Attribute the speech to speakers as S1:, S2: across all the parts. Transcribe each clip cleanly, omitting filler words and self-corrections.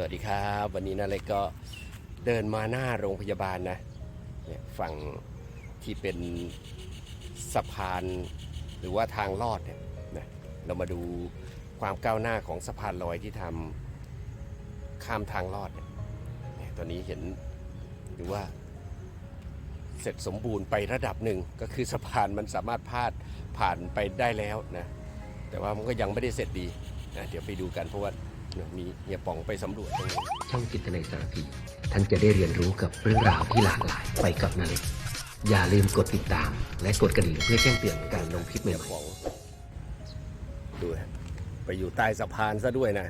S1: วัสดีครับวันนี้นะเล็กก็เดินมาหน้าโรงพยาบาลนะเนี่ยฝั่งที่เป็นสะพานหรือว่าทางลอดเนี่ยนะเรามาดูความก้าวหน้าของสะพานลอยที่ทำข้ามทางลอดเนี่ยตอนนี้เห็นหรือว่าเสร็จสมบูรณ์ไประดับหนึ่งก็คือสะพานมันสามารถผ่านไปได้แล้วนะแต่ว่ามันก็ยังไม่ได้เสร็จดีนะเดี๋ยวไปดูกันเพราะว่ามีเฮียป๋องไปสำรวจตรงนี้
S2: ช่องจิตในสารพีท่านจะได้เรียนรู้กับเรื่องราวที่หลากหลายไปกับนาเล็กอย่าลืมกดติดตามและกดกระดิ่งเพื่อแจ้งเตือนการลงคลิปใหม่
S1: ๆดูฮะไปอยู่ใต้สะพานซะด้วยนะ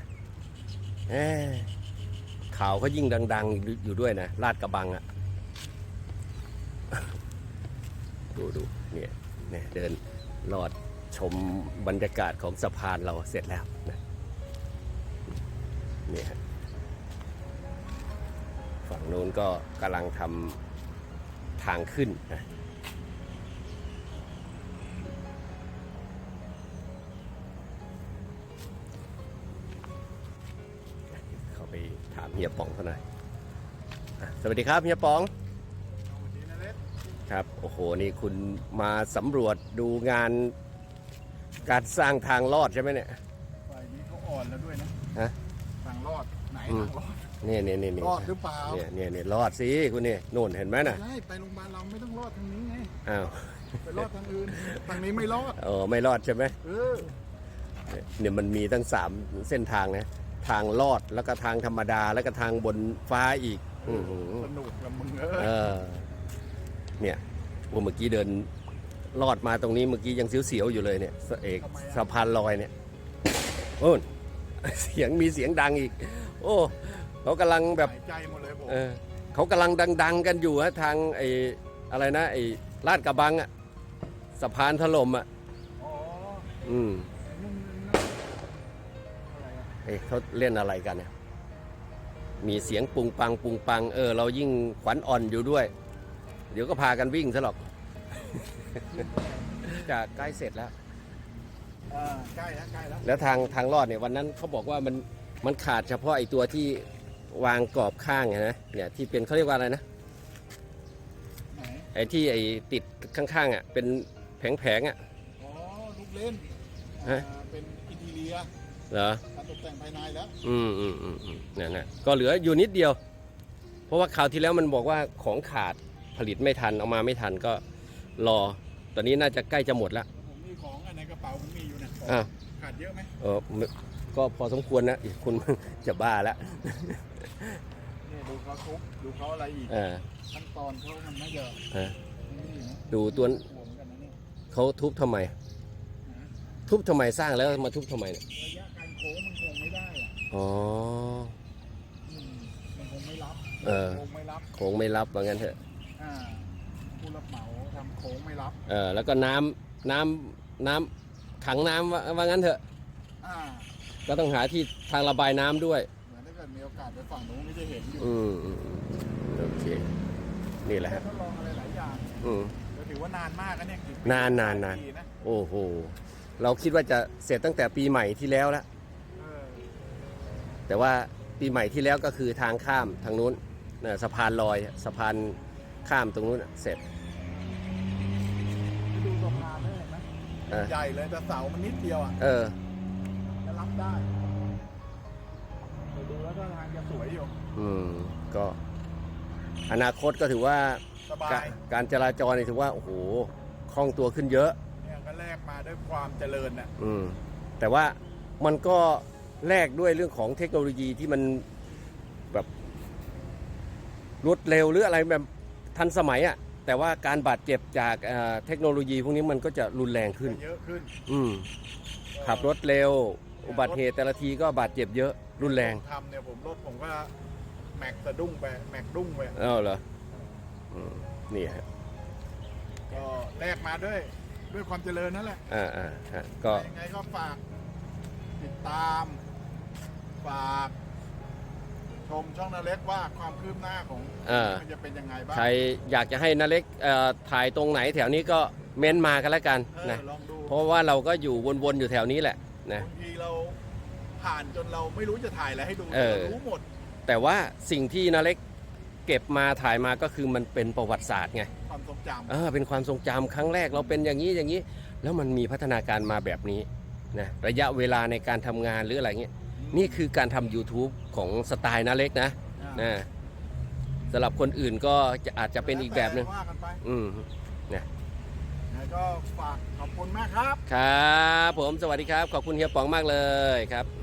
S1: ข่าวเขายิ่งดังๆอยู่ด้วยนะลาดกระบังอ่ะดูเนี่ยเดินลอดชมบรรยากาศของสะพานเราเสร็จแล้วนะนี่ฮะฝั่งโน้นก็กำลังทำทางขึ้นนะเข้าไปถามเฮียป๋องเขาหน่อยสวัสดีครับเฮียป๋องครับโอ้โหนี่คุณมาสำรวจดูงานการสร้างทางลอดใช่ไหมเนี่ย
S3: ฝ่ายนี้เขาอ่อนแล้วด้วยนะ
S1: ฮะ
S3: ทางรอดไหนทางรอด
S1: นี่
S3: รอดหรือเปล่า
S1: เนี่ยรอดสิคุณนี่โน่นเห็นไหมน่ะ
S3: ใช่ไปโรงพยาบาลเราไม่ต้องรอดทางนี้ไง
S1: อ้าว
S3: ไปรอดทางอื่นทางนี้ไม่รอด
S1: ไม่รอดใช่ไหมเนี่ยมันมีตั้ง3เส้นทางนะทางลอดแล้วก็ทางธรรมดาแล้วก็ทางบนฟ้าอีก
S3: สนุกละมึง
S1: เนี่ยเมื่อกี้เดินลอดมาตรงนี้เมื่อกี้ยังเสียวๆอยู่เลยเนี่ยสะพานลอยเนี่ยโอ้มีเสียงดังอีกโอ้เขากำลังแบบ
S3: ใจหมดเลยผม
S1: เขากำลังดังๆกันอยู่ฮะทางอะไรนะลาดกระบังอ่ะสะพานถล่มอ่ะเขาเล่นอะไรกันเนี่ยมีเสียงปุงปังเรายิ่งขวัญอ่อนอยู่ด้วยเดี๋ยวก็พากันวิ่งซะหรอกจะใกล้เสร็จแล้ว
S3: ใกล้แล้ว
S1: แล้วทางลอดเนี่ยวันนั้นเขาบอกว่ามันขาดเฉพาะไอ้ตัวที่วางกรอบข้างนะเนี่ยที่เป็นเขาเรียกว่าอะไรนะไอ้ที่ติดข้างๆอ่ะเป็นแผงอ่ะ
S3: ลูกเล่นเป็นอินทีเรีย
S1: เหรอ
S3: การตกแต่งภายในแล้ว
S1: เนี่ยก็เหลืออยู่นิดเดียวเพราะว่าคราวที่แล้วมันบอกว่าของขาดผลิตไม่ทันเอามาไม่ทันก็รอตอนนี้น่าจะใกล้จะหมดแล้ว
S3: ผมมีของในกระเป๋าผมมีอยู่นะขาดเยอะไหม
S1: ก็พอสมควรนะคุณจะบ้าแล้ว
S3: นี่ดูเขาทุบดูเขาอะไรอีกขั้นตอนเขามันไม่เยอะ
S1: ดูตัวเขาทุบทำไมสร้างแล้วมาทุบทำไมเนี่ย
S3: ระยะการโค้งมันคงไม่ได้มันคงไม่รับ
S1: โค้งไม่รับว่างั้นเถอะ
S3: ผู้รับเหมาทำโค้งไม่รับ
S1: แล้วก็น้ำขังน้ำว่างั้นเถอะก็ต้องหาที่ทางระบายน้ำด้วย
S3: เหมือนถ้าเกิดมีโอกาสไปฝั่งโน้นก็จะเห็นอยู่
S1: โอเคนี่แหละ
S3: ทดลองอะไรหลายอย่างก็ถือว่านานมากนะเนี่ย
S1: นานโอ้โหเราคิดว่าจะเสร็จตั้งแต่ปีใหม่ที่แล้วแล้วแต่ว่าปีใหม่ที่แล้วก็คือทางข้ามทางนู้นสะพานลอยสะพานข้ามตรงนู้นเสร็จ
S3: ดูสะพานได้ไหมใหญ่เลยแต่เสามันนิดเดียวจะรับได้ดูแล้วก็ทางจะสวยอยู่
S1: ก็อนาคตก็ถือว่าการจราจรนี่ถือว่าโอ้โหคล่องตัวขึ้นเยอะ
S3: เนี่ยก็แลกมาด้วยความเจริญน่ะ
S1: แต่ว่ามันก็แลกด้วยเรื่องของเทคโนโลยีที่มันแบบรวดเร็วหรืออะไรแบบทันสมัยอ่ะแต่ว่าการบาดเจ็บจากเทคโนโลยีพวกนี้มันก็จะรุนแรงขึ้น
S3: เยอะขึ้น
S1: ขับรถเร็วอุบัติเหตุแต่ละทีก็บาดเจ็บเยอะรุนแรง
S3: ทำเนี่ยผมก็แม็กสะดุ้งไปแม็กดุ้งไป
S1: เหรอนี่ฮะ
S3: ก็แลกมาด้วยความเจริญนั่นแหละ
S1: ก็
S3: ยังไงก็ฝากติดตามฝากชมช่องนาเล็กว่าความคืบหน้าของมันจะเป็นยังไงบ้าง
S1: ใครอยากจะให้นาเล็กถ่ายตรงไหนแถวนี้ก็เม้นมากันแล้วกันนะเพราะว่าเราก็อยู่วนๆอยู่แถวนี้แหละนะ
S3: บางทีเราผ่านจนเราไม่รู้จะถ่ายอะไรให้ดูรู้หมด
S1: แต่ว่าสิ่งที่นาเล็กเก็บมาถ่ายมาก็คือมันเป็นประวัติศาสตร์ไง
S3: ความทรงจ
S1: เป็นความทรงจำครั้งแรกเราเป็นอย่างนี้อย่างนี้ แล้วมันมีพัฒนาการมาแบบนี้นะระยะเวลาในการทำงานหรืออะไรเงี้ย
S3: ำ
S1: นี่คือการทำ YouTube ของสไตล์นาเล็กนะ
S3: อ่า
S1: นะสำหรับคนอื่นก็อาจจะเป็นอีกแบบหนึ่ง
S3: ว่ากันไป
S1: อืม
S3: แล้วก็ฝากขอบคุณมากครับ
S1: ครับผมสวัสดีครับ ขอบคุณเฮียป๋องมากเลยครับ